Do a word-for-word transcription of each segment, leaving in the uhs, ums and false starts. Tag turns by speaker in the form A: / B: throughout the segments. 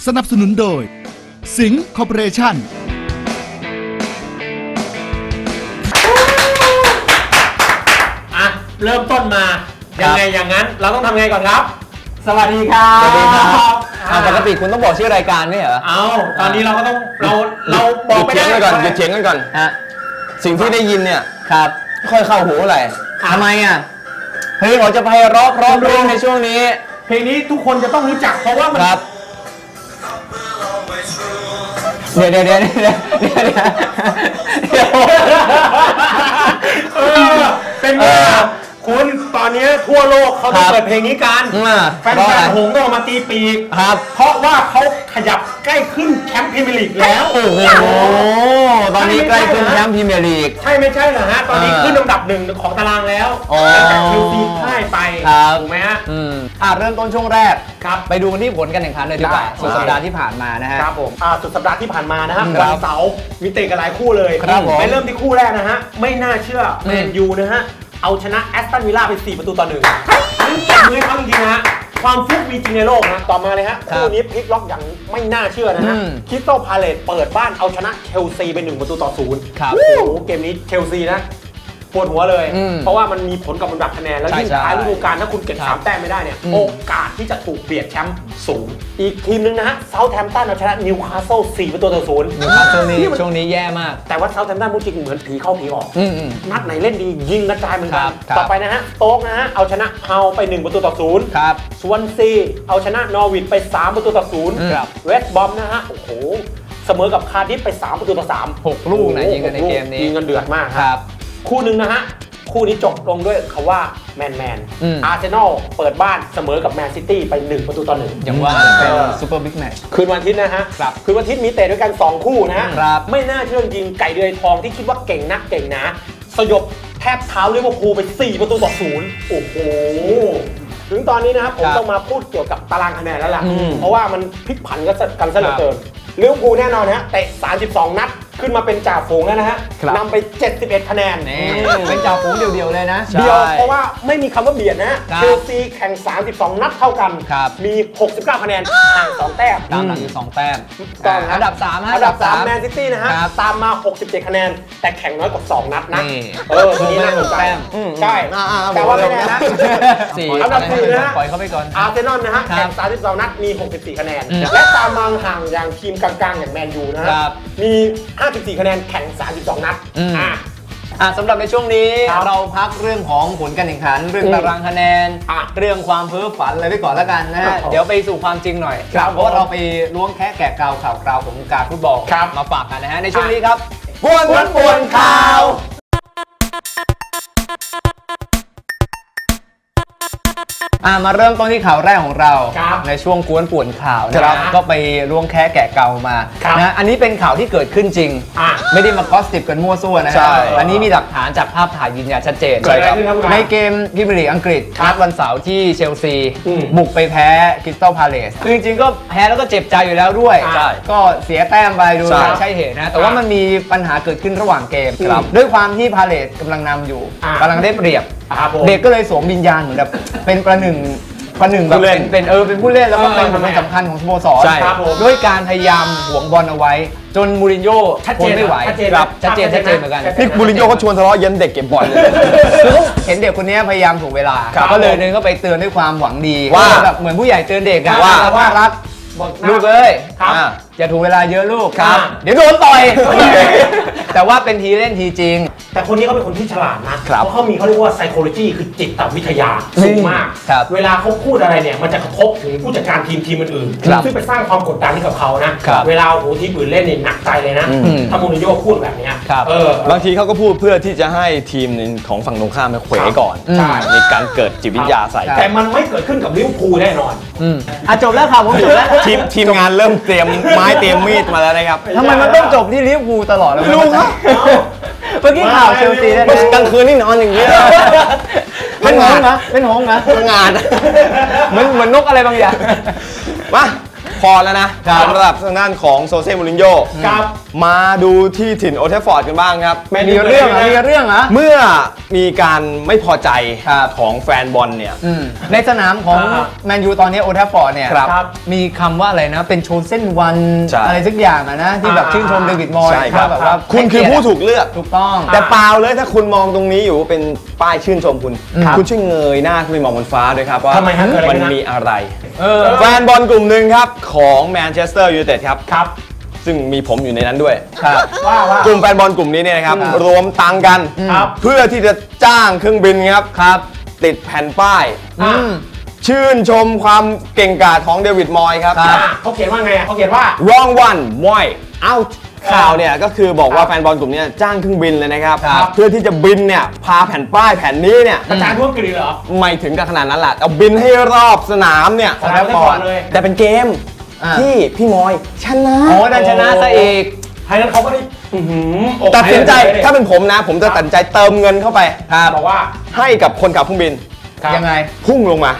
A: สนับสนุนโดยสิงห์คอร์ปอเรชั่น
B: อ่ะเริ่มต้นมายังไงอย่างนั้นเราต้องทำไงก่อนครับสวัสดีครับ
C: สวัสดีครับปกติคุณต้องบอกชื่อรายการไม่เหรอ
B: เอาตอนนี้เราก็ต้องเราเราบอกไปได้
C: ก่อนหยุดเถียงกันก่อนฮะสิ่งที่ได้ยินเนี่ยครับค่อยเข้าหูอะไรทำไมอ่ะเพลงเราจะไพเราะเพราะเพลงในช่วงนี้
B: เพลงนี้ทุกคนจะต้องรู้จักเพราะว่ามัน
C: ครับเดี๋ยวเดี๋ยวเดี๋ยวเดี๋ยวเดี๋ยวเดี๋ยว
B: เป็นไงคุณตอนนี้ทั่วโลกเขาต้องเปิดเพลงนี้กันแฟนๆหงส์ก็ออกมาตีปีกเพราะว่าเขาขยับใกล้ขึ้นแชมป์พรีเมียร์ลีกแล้ว
C: โอ้โหตอนนี้ใกล้ขึ้นแชมป์พรีเมียร์ลีก
B: ใช่ไม่ใช่เหรอฮะตอนนี้ขึ้นอันดับหนึ่งของตารางแล้วจากเชลซีพ่ายไปถูกไหมฮะ
C: อ่าเริ่มต้นช่วงแรกไปดูกันที่ผลการแข่งขันเลยดีกว่าสุดสัปดาห์ที่ผ่านมานะฮะ
B: ครับผมสุดสัปดาห์ที่ผ่านมานะฮะวันเสาร์มีเตะกันหลายคู่เลยไปเริ่มที่คู่แรกนะฮะไม่น่าเชื่อแมนยูนะฮะเอาชนะแอสตันวิลล่าไปสี่ประตูต่อหนึ่งนี่จับมือเขาจริงๆฮะความฟุกมีจริงในโลกนะต่อมาเลยฮะคู่นี้พลิกล็อกอย่างไม่น่าเชื่อนะฮะคริสตัลพาเลซเปิดบ้านเอาชนะเชลซีไปหนึ่งประตูต่อศูนย์โอ้โหเกมนี้เชลซีนะปวดหัวเลยเพราะว่ามันมีผลกับอันดับคะแนนแล้วยิ่งท้ายฤดูกาลถ้าคุณเก็บสามแต้มไม่ได้เนี่ยโอกาสที่จะถูกเบียดแชมป์สูงอีกทีมนึงนะฮะเซาท์แฮมป์ตันเอาชนะนิวคาสเซิลสี่ประตูต่อศูนย์
C: นิวคาสเซิลนี่ช่วงนี้แย่มาก
B: แต่ว่าเซาท์แฮมป์ตันพูดจริงเหมือนผีเข้าผีออกนัดไหนเล่นดียิงกระจายเหมือนกันต่อไปนะฮะโต๊กนะฮะเอาชนะเฮาไปหนึ่งประตูต่อศูนย์สวอนซีเอาชนะนอร์วิชไปสามประตูต่อศูนย์เวสต์บอมนะฮะโอ้โหเสมอกับคาร์ดิฟไปสามประตูต่อสาม
C: หกลูกนะยิงกันในเกมนี้
B: ยิงกันเดือดมากครับคู่หนึ่งนะฮะคู่นี้จบลงด้วยคำว่าแมนแมนอาร์เซนอลเปิดบ้านเสมอกับแมนซิตี้ไปหนึ่งประตูต่อหนึ่ง
C: อย่างว่าเป็นซูเปอร์บิ๊กแมตช์
B: คืนวันอาทิตย์นะฮะคืนวันอาทิตย์มีเตะด้วยกันสองคู่นะฮะไม่น่าเชื่อจริงไก่เดือยทองที่คิดว่าเก่งนักเก่งนะสยบแทบเท้าลิเวอร์พูลไปสี่ประตูต่อศูนย์โอ้โหถึงตอนนี้นะครับผมต้องมาพูดเกี่ยวกับตารางคะแนนแล้วล่ะเพราะว่ามันพลิกผันกันซะเหลือเกินลิเวอร์พูลแน่นอนฮะเตะสามสิบสองนัดขึ้นมาเป็นจ่าฝูงแล้วนะฮะนำไปเจ็ดสิบเอ็ดคะแนน
C: เป็นจ่าฝูงเดียวๆเลยนะ
B: เดียวเพราะว่าไม่มีคำว่าเบียดนะเชลซีแข่งสามสิบสองนัดเท่ากันมีหกสิบเก้าคะแนนห่างสองแต้ม
C: ตามหลังอยู่สองแต้ม
B: อันดับสามอันดับสามแมนซิตี้นะฮะตามมาหกสิบเจ็ดคะแนนแต่แข่งน้อยกว่าสองนัดนะเออทีนี้น่าสนใจใช่แต่ว่าไม่แน่นะอันดับสี่นะ
C: ปล่อยเข้าไปก่อน
B: อาร์เซนอลนะฮะแข่งสามสิบสองนัดมีหกสิบสี่คะแนนและตามมาห่างอย่างทีมกลางๆอย่างแมนยูนะฮะมีห้าสิบสี่คะแนนแข่งสามสิบสองนัดอ่า
C: อ่ะสำหรับในช่วงนี้เราพักเรื่องของผลการแข่งขันเรื่องตารางคะแนนเรื่องความเพ้อฝันอะไรไปก่อนแล้วกันนะฮะเดี๋ยวไปสู่ความจริงหน่อยเพราะเราไปล้วงแคะแกะกาวข่าวคราวของวงการฟุตบอลมาฝากกันนะฮะในช่วงนี้ครับ
B: ป่วนป่วนข่าว
C: มาเริ่มต้นที่ข่าวแรกของเราในช่วงกวนป่วนข่าวนะครับก็ไปล้วงแคะแกะเกามานะอันนี้เป็นข่าวที่เกิดขึ้นจริงไม่ได้มากอสซิปกันมั่วซั่วนะอันนี้มีหลักฐานจากภาพถ่ายยืนยันชัดเจนในเกมพรีเมียร์ลีกอังกฤษนัดวันเสาร์ที่เชลซีบุกไปแพ้คริสตัลพาเลซคือจริงๆก็แพ้แล้วก็เจ็บใจอยู่แล้วด้วยก็เสียแต้มไปดูใช่เหตุนะแต่ว่ามันมีปัญหาเกิดขึ้นระหว่างเกมด้วยความที่พาเลซกำลังนำอยู่กำลังได้เปรียบเด็กก็เลยสวมวิญญาณเหมือนแบบเป็นประหนึ่งประหนึ่งแบบเป็นเออเป็นผู้เล่นแล้วก็เป็นคนสำคัญของสโมสรด้วยการพยายามหวงบอลเอาไว้จนมูรินโญ่ทนไม่ไหวครับชัดเจนชัดเจนเหมือนกัน
D: นี่มูรินโญ่เขาชวนทะเลาะเย็นเด็กเก็บบอลเลย
C: คือเขาเห็นเด็กคนนี้พยายามถูกเวลาก็เลยเดินเข้าไปเตือนด้วยความหวังดีว่าแบบเหมือนผู้ใหญ่เตือนเด็กว่าว่ารักลูกเอ้ยอย่าถูกเวลาเยอะลูกครับเดี๋ยวโดนต่อยแต่ว่าเป็นทีเล่นทีจริง
B: แต่คนนี้เขาเป็นคนที่ฉลาดนะเพราะเขามีเขาเรียกว่า psychology คือจิตวิทยาสูงมากเวลาเขาพูดอะไรเนี่ยมันจะกระทบถึงผู้จัดการทีมทีมอื่นๆซึ่งไปสร้างความกดดันให้กับเขานะเวลาโอ้ทีมอื่นเล่นเนี่ยหนักใจเลยนะถ้ามูรินโญ่พูดแบบนี้
D: เออบางทีเขาก็พูดเพื่อที่จะให้ทีมของฝั่งตรงข้ามเขวก่อนในการเกิดจิตวิทยาใส่
B: แต่มันไม่เกิดขึ้นกับลิเวอร์พูลแน่นอน
C: อ่ะจบแล้วครับผมจบแล้ว
D: ทีมทีมงานเริ่มเตรียมไม้เตรียมมีดมาแล้วนะครับ
C: ทำไมมันต้องจบที่ลิเวอร์พูลตลอดเลยไม่รู้ครับเมื่อกี้ข่าวเชลซี
D: ได้กลางคืนนี่นอนอย่างนี้
C: เป็นหงส์นะเป็นหงส์นะ
D: งาน
C: เหมือนเหมือนนกอะไรบางอย่าง
D: มาพอแล้วนะสำหรับทางด้านของโซเซ่มูรินโญ่มาดูที่ถิ่นโอลด์แทรฟฟอร์ดกันบ้างครับ
C: มีเรื่องอะมีเรื่องอะ
D: เมื่อมีการไม่พอใจ
C: ครับ
D: ของแฟนบอลเนี่ย
C: อืมในสนามของ
B: อ่า
C: แมนยูตอนนี้โอลด์แทรฟฟอร์ดเนี่ย
D: ครับ
C: มีคำว่าอะไรนะ เป็นโชเส้นวัน
D: ใช่
C: อะไรสักอย่างอะนะที่แบบ
B: อ่า
C: ชื่นชมเดวิดมอยส์
D: ใช่ครับ
C: แบบว่า
D: คุณคือผู้ถูกเลือก
C: ถูกต้อง
D: แต่เปล่าเลยถ้าคุณมองตรงนี้อยู่เป็นป้ายชื่นชมคุณ
C: ครับ
D: คุณช่วยเงยหน้าขึ้นไปมองบนฟ้าด้วยครับว่า
B: ทำไมฮะเกิดอะไร
D: มัน
B: ขึ้นฮะ
D: มีอะไร
C: เออ
D: แฟนบอลกลุ่มหนึ่งครับของแมนเชสเตอร์ยูไนเต็ดครับ
B: ครับ
D: ซึ่งมีผมอยู่ในนั้นด้วย
C: ครับ
B: ว่าว่าก
D: ลุ่มแฟนบอลกลุ่มนี้เนี่ยนะครับ
C: อืม
D: รวมตังค์กัน
B: ครับ
D: เพื่อที่จะจ้างเครื่องบินครับ
C: ครับ
D: ติดแผ่นป้าย
C: อืม
D: ชื่นชมความเก่งกาจของเดวิดมอยส์ครับ
C: ครับ
B: อ่ะเขาเขียนว่าไงอ่ะเขาเขียนว่า
D: wrong one มอย out ข่าวเนี่ยก็คือบอกว่า
B: ครับ
D: แฟนบอลกลุ่มเนี้จ้างเครื่องบินเลยนะครับ
C: ครับ
D: เพื่อที่จะบินเนี่ยพาแผ่นป้ายแผ่นนี้เนี่ย
B: ประจานทั่วอังกฤษเหรอ
D: ไม่ถึงกับขนาดนั้นแหละเอาบินให้รอบสนามเนี่ย
B: สนามได้ก่อนเลย
D: แต่เป็นเกม
C: อ่า
D: ที่พี่มอยชนะ
C: โอ้ดันชนะซะอีก
B: ให้นั้นเขาก็ได้อื้อหืออก
D: ตัดสินใจ
B: ให้เลย
D: ถ้าเป็นผมนะ ผมจะตัดสินใจเติมเงินเข้าไป
B: บอกว่า
D: ให้กับคนขับเครื่องบิน
B: ครับ
C: ยังไง
D: พุ่งลงมา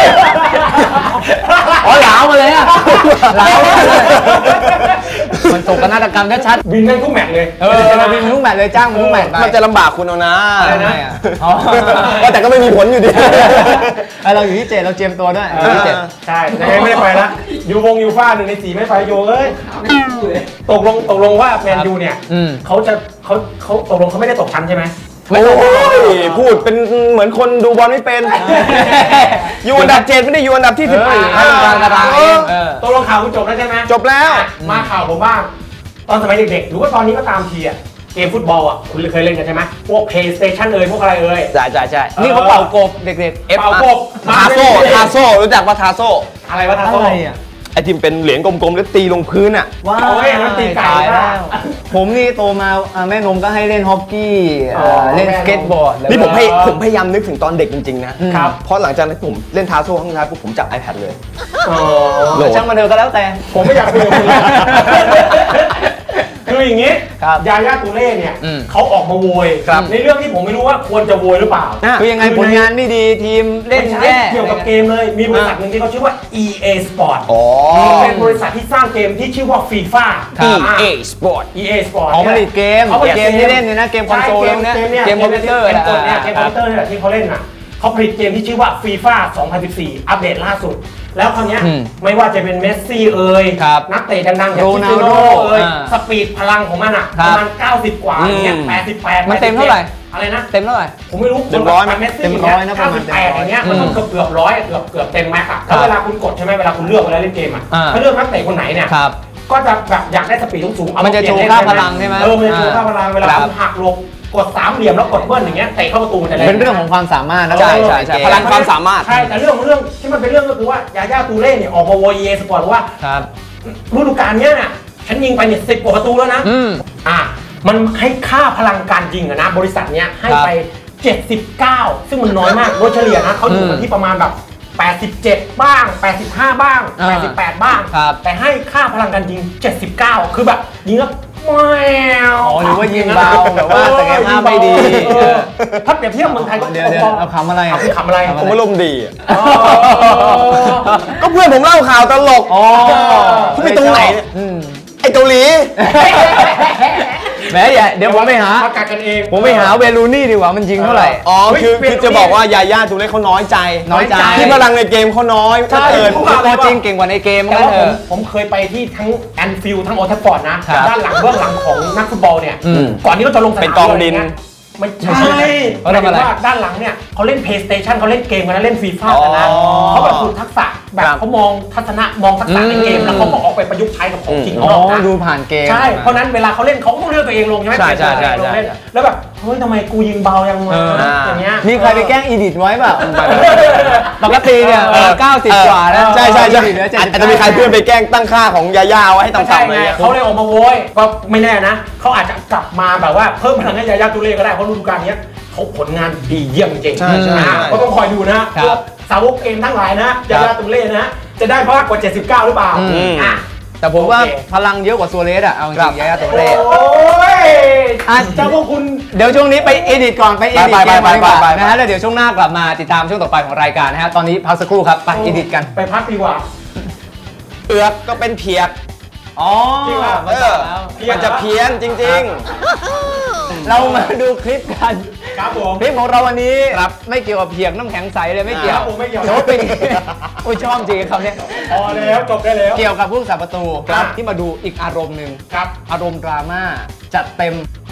C: อ๋อหลาวมาเลยอะหลาวมาเลยมันตกนาฏกรรมชัด
B: บินได้ทุกแมตช์เลย
C: ๆเออมันเป็นทุกแมตช์เลยจ้างมันทุกแมตช์ไป
D: มันจะลำบากคุณเอานะ
C: อะไรนะอ๋อ
D: ว่าแต่ก็ไม่มีผลอยู่ดี
C: เออเราอยู่ที่เจ็ดเราเจียมตัวด้วยอยู่ที่เจ็ด
B: ใช่ยังไงไม่ได้ไปละยูวงยูฟ่าหนึ่งในสี่ไม่ไปโยเอ้ยตกลงตกลงว่าแมนยูเนี่ย
C: อืม
B: เขาจะเขาเขาตกลงเขาไม่ได้ตกชั้นใช่ไหม
D: โอ้ยพูดเป็นเหมือนคนดูบอลไม่เป็น อยู่อันดับเจ็ดไม่ได้อยู่อันดับที่สิบ
C: เอ
D: แป
C: อ
D: ด
C: ให้มันกลางตารางเองเออ
B: ตกลงข่าวคุณจบแล้วใช่ไหม
D: จบแล้ว
B: อ่ะมาข่าวผมบ้าง ตอนสมัยเด็กๆหรือว่าตอนนี้ก็ตามทีอ่ะเกมฟุตบอลอ่ะคุณเคยเล่นกันใช่ไหมพวก PlayStation เอ่ยพวกอะไรเอ่ย
D: ใช่ใช่ใช่
C: นี่เขาเป่ากบเด็กๆ
B: เป่ากบ
D: ทาโซ่ทาโซ่รู้จักว่าทาโซ่
B: อะไรวะทา
C: อะ
B: โซ่
C: ไรอ่ะ
D: ไอ้ที่เป็นเหรียญกลมๆแล้วตีลงพื้นอ่ะ
C: ว้าว
B: โอ้ยมันตีไก่
C: ตาย
B: แล้
C: แล้ว ว ผมนี่โตมาอ่าแม่นมก็ให้เล่นฮอกกี้เอ่อ
B: อ๋อ
C: เล่น
B: แม่นม
C: สเก็ตบอร์ดแล้ว
D: นี่ผม
C: ก็
D: ให้ผมพยายามนึกถึงตอนเด็กจริงๆนะครับ เพราะหลังจากนั้นผมเล่นทาโซ่ครั้งสุดท้ายปุ๊บผมจับ iPad เลย
B: อ๋อ
D: โหลด
C: ช่างมันเถอะก็แล้วแต่
B: ผมไม่อยากคุยกับคุณเลยคืออย่างนี้
C: ครับ
B: ยาย่าตูเล่เนี่ย
C: อืม
B: เขาออกมาโวย
C: ครับ
B: ในเรื่องที่ผมไม่รู้ว่าควรจะโวยหรือเปล่า
C: คือยังไงผลงานไม่ดีทีมเล่น
B: ไม่ใช่
C: แย่
B: เกี่ยวกับเกมเลย มีบริษัทหนึ่งที่เขาชื่อว่า อี เอ Sport
D: อ๋อ
B: เป็นบริษัทที่สร้างเกมที่ชื่อว่า FIFA
C: ครับ
B: อ่า
D: อี เอ Sport
B: อี เอ Sport
C: อ๋อผลิตเกม
B: ขาผลิต
C: เกมที่เล่นเนี่ยนะเกมคอนโซล
B: ใช่
C: แล้วเนี่ย
B: เกมเนี่ย
C: เกมคอมพิวเตอร์
B: เกมกดเนี่ย
C: อ่า
B: เกมคอมพิวเตอร์เนี่ยที่เขาเล่นน่ะเขาผลิตเกมที่ชื่อว่า FIFA สองพันสิบสี่ อัปเดตล่าสุด แล้วคราวเนี้ย
C: อืม
B: ไม่ว่าจะเป็นเมสซี่เอ่ย
C: ครับ
B: นักเตะดังๆอย่าง
C: โร
B: คริส
C: นั
B: เตี
C: ล
B: ย
C: โด
B: โนเอ่ย
C: อ่า
B: สปีดพลังของมันอ่ะ
C: ครั
B: ป
C: บ
B: ระมาณเก้าสิบกว่าอย่างเงี้ย
D: อืม
B: แปดสิบแปด
C: มันเต็มเท่าไหร่
B: อะไรนะ
C: เต็มเท่าไหร่
B: ผมไม่รู้
D: เต็มร้อยไหม
B: เมสซี่
C: เต็มร้อยนะประมาณ
B: เก้าสิบแปดอย่างเงี้ย
C: อืม
B: มันต้องเกือบเกือบร้อยเกือบเกือบเต็มแม็กซ์อะ
C: ครั
B: แล้ว
C: บ
B: เวลาคุณกดใช่ไหมเวลาคุณเลือกเวลาเล่นเกมอะ
C: อ่า
B: ถ้าเลือกนักเตะคนไหนเนี่ย
C: ครับ
B: ก็จะแบบอยากได้สปีดสูงๆเอา
C: มันจะ
B: เปลี่ย
C: โชว์
B: เล่น
C: ค่า
B: ได้
C: พลังใช่ไหม
B: เออมันจะโชว์ค่าพลังเวลา
C: ครับ
B: คุณหักหลบกดสามเหลี่ยมแล้วกดเบิ้ลอย่างเงี้ยเตะเข้าประตูมันจะเล่น
C: เป็นเรื่องของความสามารถนะ
D: ใช่ใช่ใช่
C: เกม
D: พลังความสามารถ
B: ใช่แต่เรื่องเรื่องที่มันเป็นเรื่องก็คือว่ายาย่าตูเล่เนี่ยออกมาโวยเอสปอร์ตว่า
C: ครับ
B: ฤดูกาลเนี้ยน่ะฉันยิงไปเนี่ยสิบกว่าประตูแล้วนะ
C: อืม
B: อ่ะมันให้ค่าพลังการยิงอะนะบริษัทเนี้ยให้ไปเจ็ดสิบเก้าซึ่งมันน้อยมากโดยเฉลี่ยนะเขาอยู่กันที่ประมาณแบบแปดสิบเจ็ดบ้างแปดสิบห้าบ้าง
C: อ่า
B: แปดสิบแปดบ้าง
C: ครับ
B: แต่ให้ค่าพลังการยิงเจ็ดสิบเก้าคือแบบยิงแล้วแมว
C: อ๋อหรือว่ายิงเบาแบบว่าศักยภาพไม่ดี
B: เออถ้าเปรียบเทียบเมืองไทยก็
C: เดี๋ยวเดี๋ยวเอาคำอะไร
B: เอาคำอะไร
D: ผมอารมณ์ดีอะ
B: อ๋อ
D: ก็เพื่อนผมเล่าข่าวตลก
C: อ๋อ
D: คุณไปตรงไหนเนี่ย
C: อืม
D: ไอ้เกาหลี
C: แหมอย่าเดี๋ยวผมไปหา
B: ประกาศกันเอง
C: ผมไปหาเวลูนี่ดีกว่ามันยิงเท่าไหร่
D: อ๋อ
B: เฮ้ย
D: คือ
B: เปลี่
D: คื
B: ยน
D: อจะบอกว่ายาย่าตูเล่เขาน้อยใจ
C: น้อยใจ
D: ที่พลังในเกมเขาน้อย
B: ใช่
D: เกิน
B: ทุก
C: ตัวจริงเก่งกว่าในเกม
B: แต่
C: งั้น
B: ว่า
C: เถ
B: ผม
C: อะ
B: ผมเคยไปที่ทั้งแอนฟิลด์ทั้งโอทัฟฟอร์ดนะ
C: ครับ
B: ด้านหลังเบื้องหลังของนักฟุตบอลเนี่ย
C: อืม
B: ก่อนที่เขาจะลงสนาม
D: เป็นกองดิน
B: ไม่
C: ไม่
B: ใช่
C: ใช่
B: หมายถึง
C: เขาทำอะไร
B: ว่าด้านหลังเนี่ยเขาเล่น PlayStation เขาเล่นเกมกันนะเล่นฟีฟ่ากันนะ
D: อ๋อ
B: เขาแบบฝึกทักษะแบบ
D: ครับ
B: เขามองทัศนะมองทักษะในเกม
C: อืม
B: แล้วเขาก็ออกไปประยุกต์ใช้กับของจริง
D: อืม
B: เขา
C: อ๋
B: ออก
C: อ
B: นะ
C: ดูผ่านเกม
B: ใช่ เพราะนั้นเวลาเขาเล่นเขาก็ต้องเลือกตัวเองลงใช่ไหม
D: ใช่ใช่ใช่
B: เปลี่ยนตัวเองลงเล่น
D: ใช่
B: แล้วแบบเฮ้ยทำไมกูยิงเบายังวะ
C: เออ
B: อย่างเงี้ย
C: มีใครไปแกล้งอีดิทไว้เปล่าปกติเนี่ยเก้าสิบกว่านะ
D: ใช่ใช่ใช่
C: เหลือเจ็ดสิบ
D: อาจจะมีใครเพื่อนไปแกล้งตั้งค่าของยาย่าไว้ให้
B: ก็ใช่
D: ต่ำๆเล
B: ไง
D: ย
B: เขาเลยออกมาโวยก็ไม่แน่นะเขาอาจจะกลับมาแบบว่าเพิ่มพลังให้ยาย่าตุเล่ก็ได้เพราะฤดูกาลเนี้ยเขาผลงานดีเยี่ยมจริง
D: ใช่ใช่
B: อ่า
D: ใช่
B: ก็ต้องคอยดูนะครับ พวกสาวกเกมทั้งหลายนะยาย่าตุเล่นะจะได้มากกว่าเจ็ดสิบเก้าหรือเปล่า
C: อืม
B: อ่ะ
C: แต่ผมว่า
B: โอเค
C: พลังเยอะกว่าซัวเรสอะเอาจริงๆยายาตัว
B: โอ้
C: เล่
B: ย
C: อ่ะ
B: เจ้าพวกคุณ
C: เดี๋ยวช่วงนี้ไปเอดิตก่อนไปเอดิต
D: ไป
C: เก
D: ไป
C: มก่อนดีกว่า
D: ไปไป
C: นะฮะแล้วเดี๋ยวช่วงหน้ากลับมาติดตามช่วงต่อไปของรายการนะฮะตอนนี้พักสักครู่ครับไปเอดิตกัน
B: ไปพักดีกว่า
D: เอือกก็เป็นเพียก
C: อ๋อ
B: จริงป่ะ
C: มาจากแล้ว
D: มันจะเพี้ยนจริง
C: เรามาดูคลิปกัน
B: ครับผม
C: คลิปของเราวันนี้ไม่เกี่ยวกับเพียงน้ำแข็งใสเลยไม่เกี่ยว
B: ครับผมไม่เกี่ยว
C: โน้ตเป็นโอ้ยชอบจริงคำนี้
B: พอแล้วจบได้แล้ว
C: เกี่ยวกับผู้สาประตู
B: ครับ
C: ที่มาดูอีกอารมณ์หนึ่ง
B: ครับ
C: อารมณ์ดราม่าจัดเต็ม